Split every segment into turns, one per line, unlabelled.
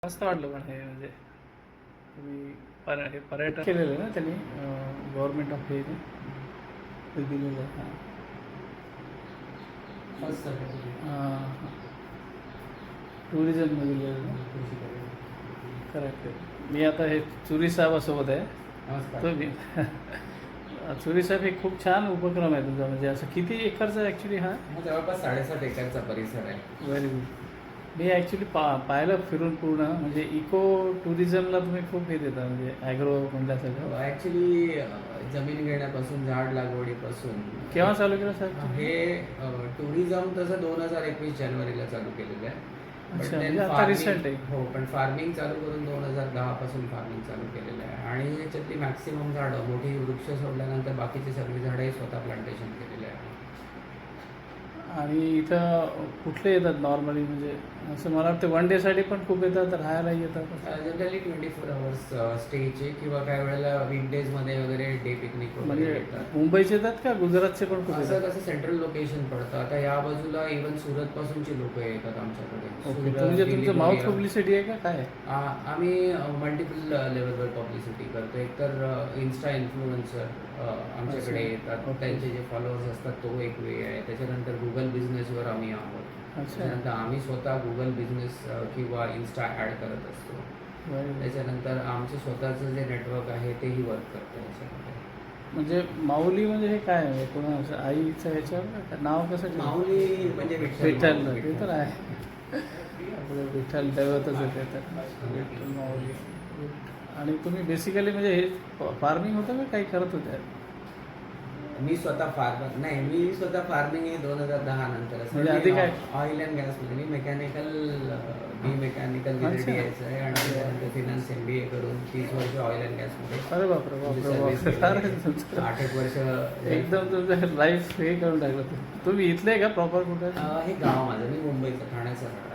मस्त वाटलं पण हे म्हणजे तुम्ही हे पर्यटन केलेलं आहे ना त्यांनी गव्हर्नमेंट ऑफ हे ते दिलेलं आहे.
फर्स्ट
हां टुरिझममध्ये दिलेलं ना. करेक्ट. मी आता हे चुरी साहेबासोबत आहे.
नमस्कार.
तो मी चुरी साहेब हे खूप छान उपक्रम आहे तुमचा. म्हणजे असं किती एकरचा ॲक्च्युली हा?
जवळपास 7.5 एकरचा परिसर आहे.
Very good. मी ॲक्च्युली पाहिलं फिरून पूर्ण. म्हणजे इको टुरिझमला तुम्ही खूप हे देता म्हणजे ॲग्रो म्हटल्यासारखं.
ॲक्च्युली जमीन घेण्यापासून झाड लागवडीपासून
केव्हा चालू केलं साहेब?
हे टुरिझम तसं 2021 जानेवारीला चालू केलेलं आहे.
अच्छा, म्हणजे आता रिसेंट आहे.
हो, पण फार्मिंग चालू करून 2010 पासून फार्मिंग चालू केलेलं आहे. आणि याच्यातली मॅक्सिमम झाडं मोठी वृक्ष सोडल्यानंतर बाकीची सगळी झाडंही स्वतः प्लांटेशन केलेले आहे.
आणि इथं कुठले येतात नॉर्मली? म्हणजे असं मला वाटतं वन डेसाठी पण खूप येतात, राहायला येतात.
जनरली 24 आवर्स स्टेचे किंवा काही वेळेला वीकडेजमध्ये वगैरे डे पिकनिक वगैरे
म्हणजे
येतात.
मुंबईचे येतात का गुजरातचे पण खूप
असं
येतात?
कसं सेंट्रल लोकेशन पडतं. आता या बाजूला इव्हन सुरत पासूनची लोक येतात आमच्याकडे.
ओके.
सुरत,
म्हणजे
दिल्ली,
तुमचं माउथ
नोएडा.
पब्लिसिटी आहे का काय?
आम्ही मल्टिपल लेवलवर पब्लिसिटी करतो. एकतर इन्स्टा इन्फ्लुएन्सर आमच्याकडे
अच्छा.
येतात.
ओके.
त्यांचे जे फॉलोअर्स असतात तो एक वे आहे. त्याच्यानंतर गुगल बिझनेसवर आम्ही आहोत.
अच्छा.
त्याच्यानंतर आम्ही स्वतः गुगल बिझनेस किंवा इन्स्टा ॲड करत असतो.
Very good.
त्याच्यानंतर आमचं स्वतःचं जे नेटवर्क आहे तेही वर्क करतं याच्यामध्ये.
म्हणजे माऊली म्हणजे हे काय आहे? कोणा असं आईचं ह्याच्यावर का? नाव कसं ठेवलं?
माऊली म्हणजे
विठ्ठल. ते तर आहे आपलं विठ्ठल दैवतच आहे ते तर. विठ्ठल माऊली. आणि तुम्ही बेसिकली म्हणजे हे फार्मिंग होतं का काही करत होते?
मी स्वतः फार्मिंग हे 2010 नंतर असं.
म्हणजे आधी काय?
ऑइल अँड गॅसमध्ये मी मेकॅनिकल बी मेकॅनिकल
अच्छा.
यायचं आहे आणि त्याच्यानंतर फिनान्स MBA करून 30 वर्ष ऑइल अँड गॅसमध्ये
अरे बापरे बापरे बापरे.
8 वर्ष.
एकदम तुमचं लाईफ हे करून टाकलं. तुम्ही इथले का प्रॉपर कुठे?
हे गाव माझं, मी मुंबईचं ठाण्याचं राहणार.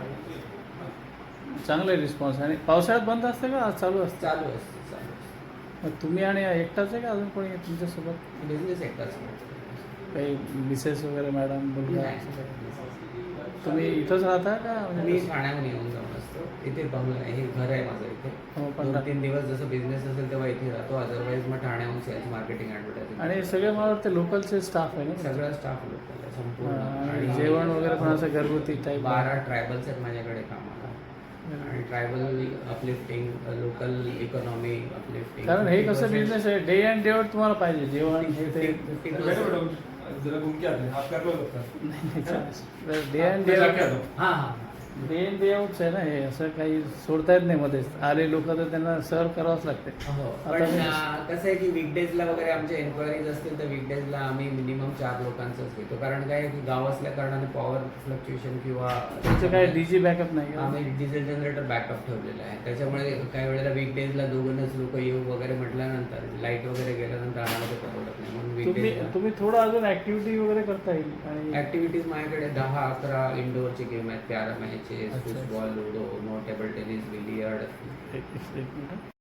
चांगलं रिस्पॉन्स. आणि पावसाळ्यात बंद असते का आज चालू असतं?
चालू असतं.
मग तुम्ही आणि एकटाच आहे का अजून कोणी आहे तुमच्यासोबत?
बिझनेस एकटाच.
काही मिसेस वगैरे मॅडम मुलगा?
नाही.
तुम्ही इथंच राहता का?
मी
म्हणजे
ठाण्याहून येऊन जाऊन असतो. इथे बंगला आहे, हे घर आहे माझं इथे.
हो, पण
2-3 दिवस जसं बिझनेस असेल तेव्हा इथे राहतो. अदरवाईज मग ठाण्याहून सेल्स मार्केटिंग ॲडव्हर्टायझिंग.
आणि सगळे मला वाटतं लोकलचे स्टाफ आहे ना?
सगळा स्टाफ लोकल आहे संपूर्ण.
आणि जेवण वगैरे पण असं घरगुती टाईप?
12 ट्रायबल्स आहेत माझ्याकडे कामाला. आणि tribal uplifting, local economy uplifting.
कारण हे कसं बिझनेस आहे, डे अँड डे आउट तुम्हाला पाहिजे जेवण हे ते.
50%.
जरा घूम के आते हैं आप कर लो
डे अँड डे आउट.
हां हां.
डे इन डे आउटच आहे ना हे. असं काही सोडता येत नाही मध्येच. आले लोक तर त्यांना सर्व करावंच लागते.
हो,
आता
पण
मी-
कसं आहे की वीकडेजला वगैरे आमच्या एन्क्वायरीज असतील तर वीकडेजला आम्ही मिनिमम 4 लोकांचंच घेतो. कारण काय आहे की गाव असल्या कारणाने पॉवर फ्लक्च्युएशन किंवा
तुमचं काय डीजी बॅकअप नाही का?
आम्ही डिझेल जनरेटर बॅकअप ठेवलेलं आहे. त्याच्यामुळे काही वेळेला वीकडेजला दोघंच लोक येऊ वगैरे म्हटल्यानंतर लाईट वगैरे गेल्यानंतर आम्हाला ते परवडत नाही. म्हणून
तुम्ही थोडं अजून ऍक्टिव्हिटी वगैरे करता येईल. आणि
ॲक्टिव्हिटीज माझ्याकडे 10-11 इंडोअरचे गेम आहेत. कॅरम आहे, चेस,
अच्छा.
Football, ludo, no table tennis, billiard.
एक मिनिट.